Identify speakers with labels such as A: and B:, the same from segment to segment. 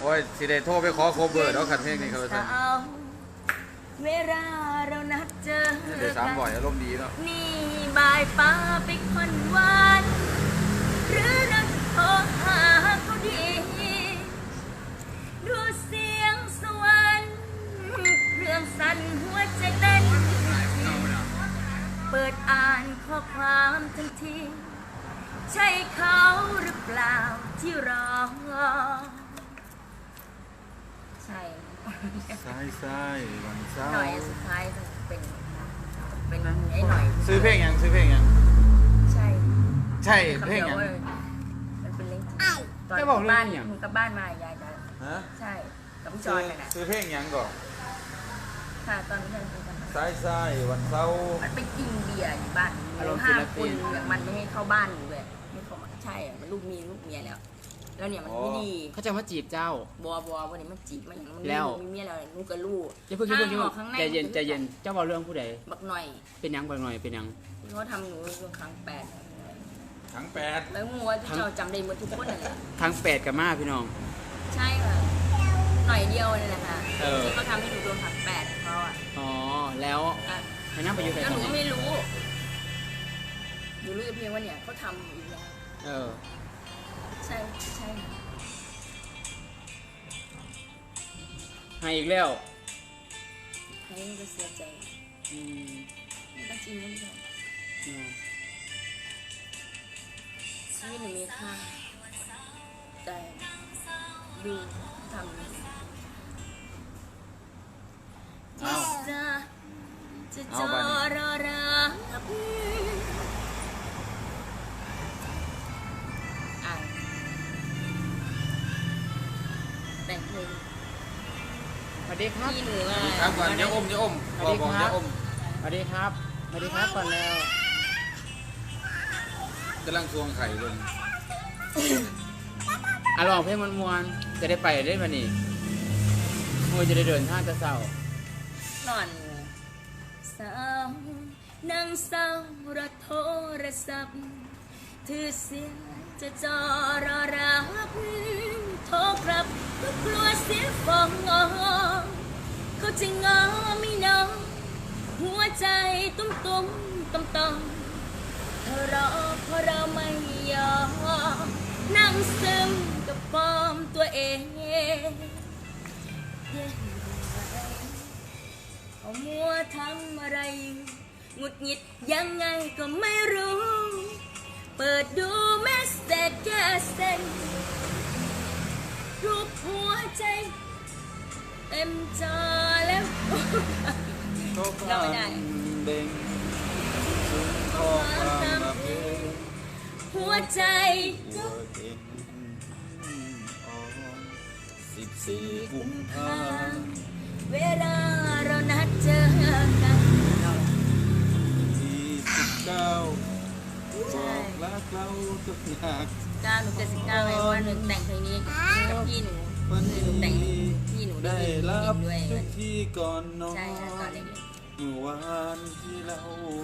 A: โอ้ยสิได้โทรไปขอโคเวอร์แล้วขัดเพลงนี้เขาจะ
B: เวลาเรานัดเจอ
A: เดี๋ยว300อารมณ์ดีเนาะ
B: นี่บายป้าไปคนหวานหรือนักโทรหาเขาดีดูเสียงสวรรค์เครื่องสั่นหัวใจเต้นเปิดอ่านข้อความทันทีใช่เขาหรือเปล่าที่รอใช่
A: ใช่วันเสาร์
B: หน่อยสุดท้ายเป็นไอ้หน่อย
A: ซื้อเพลงยังใช่เพลงยัง
B: มันเป็นเล่นตอนบ้านมึงกับบ้านมายายใช่กับพี่จอยกันนะ
A: ซื้อเพลงยังก่อน
B: ค่ะตอนนี้ยังเป็นกัน
A: ใช่วันเสาร์
B: มันไปกินเบียร์อยู่บ้าน5 คนอย่างมันไม่ให้เข้าบ้านอยู่เลยไม่เข้าใช่มันลูกเมียแล้วเนี่ยมันไม่ดี
C: เขาจะมาจีบเจ้า
B: บัววันนี้มันจีบมันแล้วมีเมียแล้วลูกกับลูก
C: จะพูดใจเย็นเจ้าบอกเรื่องผู้ใด
B: บักหน่อย
C: เป็นยังบักหน่อยเป็นยัง
B: เขาทำหนูช่วงครั้ง8แล้วงัวที่เราจำได้หมดทุกคนเลย
C: ครั้ง8กับมาพี่น้อง
B: ใช่ค่ะหน่อยเดียวนี่แหละค่ะที่เขาทำให้หนูโดนครั้ง8เขาอ่ะ
C: อ๋อแล้วให้นั่งไปอยู่ไหน
B: แล้วหนูไม่รู้หนูรู้เพียงว่าเนี่ยเขาทำอีกแล้วใช่
C: ให้อีกแล้ว
B: ให้ก็เสียใจไม่ต้องจริงไม่ใช่ชีวิตหนูมีค่าแต่ดูทำจะจอรอรักแต่งเพลง
C: สวัสดีครับ
B: พี่หนู
A: ครับก่อนอย่าอมบอกอย่าอม
C: สวัสดีครับก่อนแล้ว
A: กำลังทวงไข่ลง
C: ลองเพลงมวนจะได้ไปได้ป่ะนี่มวยจะได้เดินทางจะเศร้
B: านอนสาวนั่งเศร้ารอโทรศัพท์ถือเสียงจะจอรอรับโทรกลับก็กลัวเสียฟองเขาจะงอไม่น้องหัวใจตุ้มต่อมเธอรอเพราะเราไม่ยอมนั่งซึมกับปอมตัวเองเอามัวทำอะไรหงุดหงิดยังไงก็ไม่รู้เปิดดูเมสเซจแค่เซ็นรูปหัวใจเต็มจอแล้วเราไม่ได้หัวใจ14 กุมภาพันธ์เวลาเรานัดเจอกัน
A: 19บอกรักเราทุกอย่าง
B: 9 หนู79ไอ้วันหนึ่งแต่งเพลงนี้กับพี่หนูแต่งพี่หนูได้รับ
A: ทุกที่ก่อนนอน
B: ใช่ค่ะตอนเด็ก
A: เมื่อวานที่เรา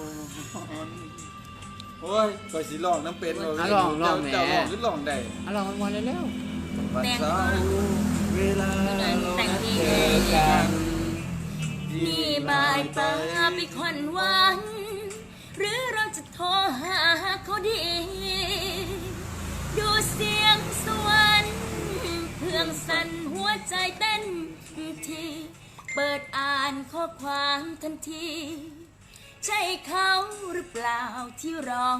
A: โอ้ยก็สิร้องน้ำเป็น
C: ลองแหม
A: เจ้าร้องหรือร้องได้
C: ลองวันเร็ว
A: วันเสาร์เวลาเราเจอกัน
B: นี่บายตาไปควันวันหรือเราจะโทรหาเขาดีดูเสียงสวรรค์เครื่องสั่นหัวใจเต้นทีเปิดอ่านข้อความทันทีใช่เขาหรือเปล่าที่รอ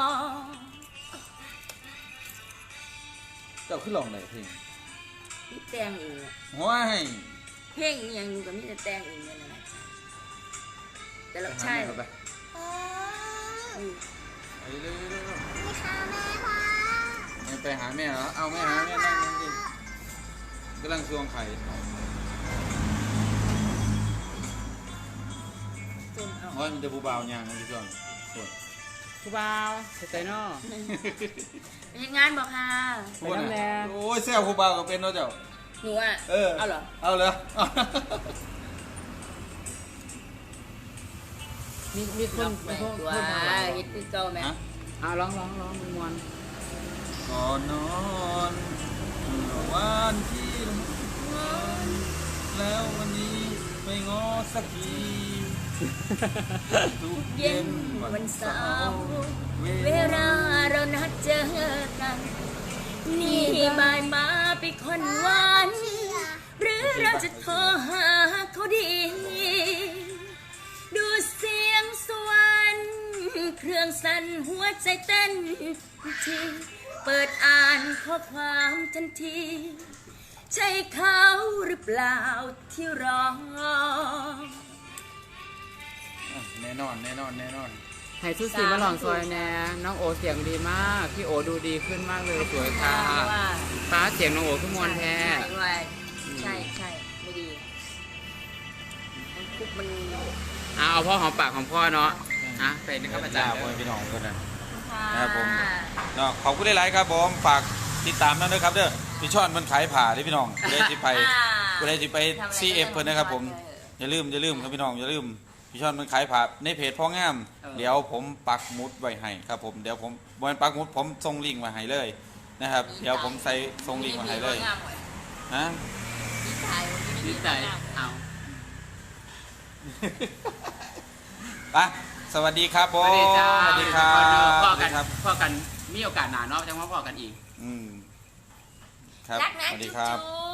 A: เจ้าขึ้นลองได้เพลง
B: พี่แต่งเอง
A: ว้าย
B: เพลงยังอยู่กับพี่จะแต่งเองเนี่ยนะแต่เราใช่
A: ไปเร็วไปหาแม่เหรอเอาแม่หาแม่นั่งดิกำลังซวงไข่โอ้ยมันจะผู้บ่าวยางพี่ช่วง
C: ผู้บ่าวเตยนอ
B: เป็นงานบอกค่ะ
C: ไปน้ำแดง
A: โอ้ยแซวผู้บ่าวก็เป็นเนาะเจ้า
B: หนูอ่ะเอาเหรอ
A: เอาเลย
C: มีคน
B: ตัวฮิตพี่โจไหม
C: ร้องมวน
A: ก่อนนอนวันที่สักทีทุก
B: เย็
A: เย็
B: น
A: น
B: วันเสา
A: ร์
B: ร์เวลาเรานัดเจอกัน นี่บ่ายมาไปคนหวานหรือเราจะโทรหาเขาดี ดูเสียงสวรรค์เครื่องสั่นหัวใจเต้นทีเปิดอ่านข้อความทันที ใช่เขาหรือเปล่าที่รอ
A: แน่นอนแน่นอนแน่นอน
C: ให้ทุกสีมาลองซอยแน่น้องโอเสียงดีมากพี่โอดูดีขึ้นมากเลยสวยค่ะฟ้าเสียงน้องโอขึ้นมวนแท้
B: ใช่ใช่ไม่ดีมันคุกมัน
C: เอาพ่อหอมปากของพ่อเนาะไปนะครับอาจารย์
A: พ่อพี่น้องกันนะ
B: ค่ะ
A: ครับผม เนาะขอบคุณหลายๆครับผมฝากติดตามนั่นด้วยครับเด้อพี่ช่อนมันขายผ่าที่พี่น้องกูได้ที่ไปกูได้ที่ไป CF เพิ่นนะครับผมอย่าลืมครับพี่น้องอย่าลืมพี่ช่อนมันขายผ่าในเพจพ่องามเดี๋ยวผมปักหมุดไว้ให้ครับผมเดี๋ยวผมบนปักหมุดผมส่งลิงก์มาให้เลยนะครับเดี๋ยวผมใส่ส่งลิงก์มาให้เลยฮะ
C: ดีใจเอา
A: ไปสวัสดีครับผ
C: ส
A: ม
C: วัสดีจ้า
A: สวัสดีครับ
C: พ่อ
A: สวัส
C: กั
A: ดี
C: น
A: ครับ
C: พ่อกันมีโอกาสหนาเนาะจังว่าพ่อกันอีก
A: ครับ
B: รักนะ
A: สวัสดี
B: จุ๊บ
A: ครับ
B: จุ๊บ